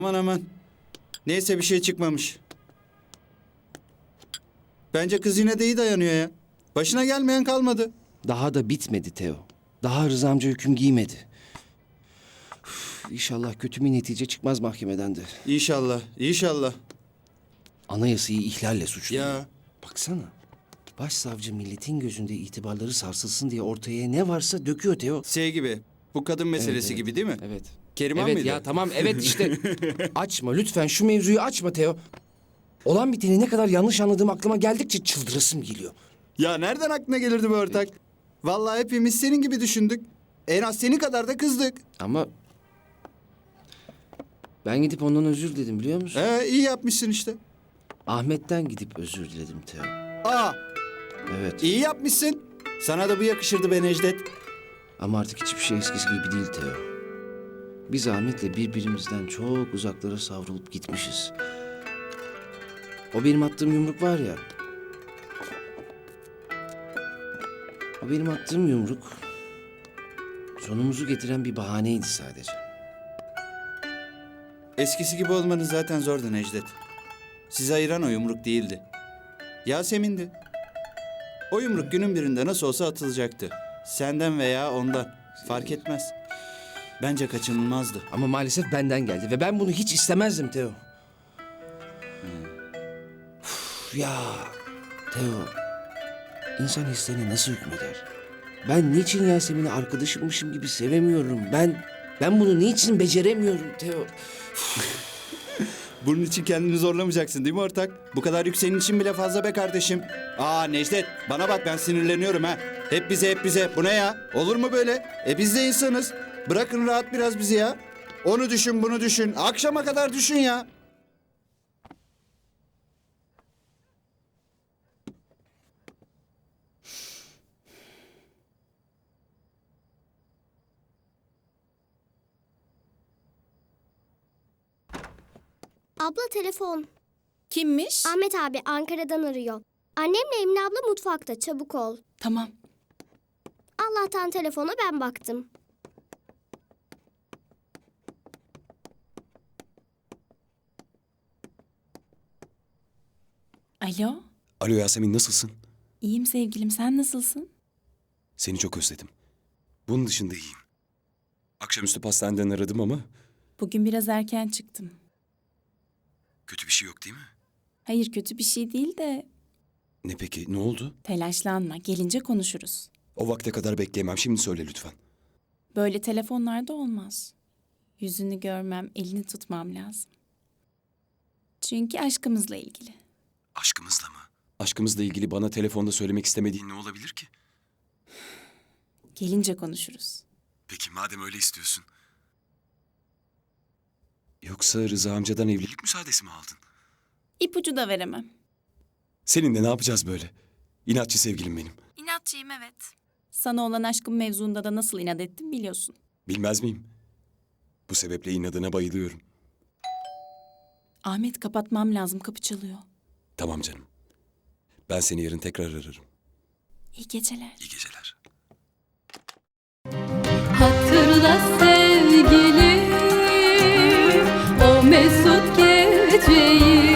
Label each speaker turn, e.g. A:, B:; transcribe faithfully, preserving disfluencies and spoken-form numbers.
A: Aman aman. Neyse bir şey çıkmamış. Bence kız yine de iyi dayanıyor ya. Başına gelmeyen kalmadı.
B: Daha da bitmedi Teo. Daha Rıza amca hüküm giymedi. Üf, İnşallah kötü bir netice çıkmaz mahkemeden de.
A: İnşallah, inşallah.
B: Anayasayı ihlalle suçluyor.
A: Ya.
B: Baksana. Başsavcı milletin gözünde itibarları sarsılsın diye ortaya ne varsa döküyor Teo.
A: Şey gibi, bu kadın meselesi
B: evet.
A: gibi değil mi?
B: Evet.
A: Keriman
B: evet
A: mıydı?
B: ya tamam evet işte. Açma lütfen şu mevzuyu açma Teo. Olan biteni ne kadar yanlış anladığım aklıma geldikçe çıldırasım geliyor.
A: Ya nereden aklına gelirdi bu ortak? Vallahi hepimiz senin gibi düşündük. En az senin kadar da kızdık.
B: Ama ben gidip ondan özür diledim biliyor musun?
A: Ee, iyi yapmışsın işte.
B: Ahmet'ten gidip özür diledim Teo.
A: Aa,
B: Evet.
A: iyi yapmışsın. Sana da bu yakışırdı be Necdet.
B: Ama artık hiçbir şey eskisi gibi değil Teo. Biz Ahmet'le birbirimizden çok uzaklara savrulup gitmişiz. O benim attığım yumruk var ya. O benim attığım yumruk sonumuzu getiren bir bahaneydi sadece.
A: Eskisi gibi olmanız zaten zordu Necdet. Sizi ayıran o yumruk değildi. Yasemin'di. O yumruk günün birinde nasıl olsa atılacaktı. Senden veya ondan. Fark etmez. Bence kaçınılmazdı.
B: Ama maalesef benden geldi ve ben bunu hiç istemezdim Teo. Uf, ya Teo, insan hislerine nasıl hükmeder? Ben niçin Yasemin'i arkadaşımmışım gibi sevemiyorum? Ben ben bunu niçin beceremiyorum Teo?
A: Bunun için kendini zorlamayacaksın değil mi ortak? Bu kadar yük senin için bile fazla be kardeşim. Aa Necdet, bana bak ben sinirleniyorum ha. Hep bize hep bize. Bu ne ya? Olur mu böyle? E biz de insanız. Bırakın rahat biraz bizi ya. Onu düşün, bunu düşün. Akşama kadar düşün ya.
C: Abla telefon.
D: Kimmiş?
C: Ahmet abi Ankara'dan arıyor. Annemle Emine abla mutfakta, çabuk ol.
D: Tamam.
C: Allah'tan telefona ben baktım.
D: Alo.
E: Alo Yasemin, nasılsın?
D: İyiyim sevgilim, sen nasılsın?
E: Seni çok özledim. Bunun dışında iyiyim. Akşamüstü pastaneden aradım ama
D: Bugün biraz erken çıktım.
E: kötü bir şey yok değil mi?
D: Hayır, kötü bir şey değil de
E: Ne peki, ne oldu?
D: telaşlanma, gelince konuşuruz.
E: O vakte kadar bekleyemem, şimdi söyle lütfen.
D: Böyle telefonlarda olmaz. Yüzünü görmem, elini tutmam lazım. Çünkü aşkımızla ilgili.
E: Aşkımızla mı? Aşkımızla ilgili bana telefonda söylemek istemediğin ne olabilir ki?
D: Gelince konuşuruz.
E: Peki madem öyle istiyorsun. Yoksa Rıza amcadan evlilik müsaadesi mi aldın?
D: İpucu da veremem.
E: Seninle ne yapacağız böyle? İnatçı sevgilim benim.
D: İnatçıyım evet. Sana olan aşkım mevzuunda da nasıl inat ettim biliyorsun.
E: Bilmez miyim? Bu sebeple inadına bayılıyorum.
D: Ahmet kapatmam lazım, kapı çalıyor.
E: Tamam canım. Ben seni yarın tekrar ararım.
D: İyi geceler.
E: İyi geceler.
F: Hatırla sevgilim o mesut geceyi.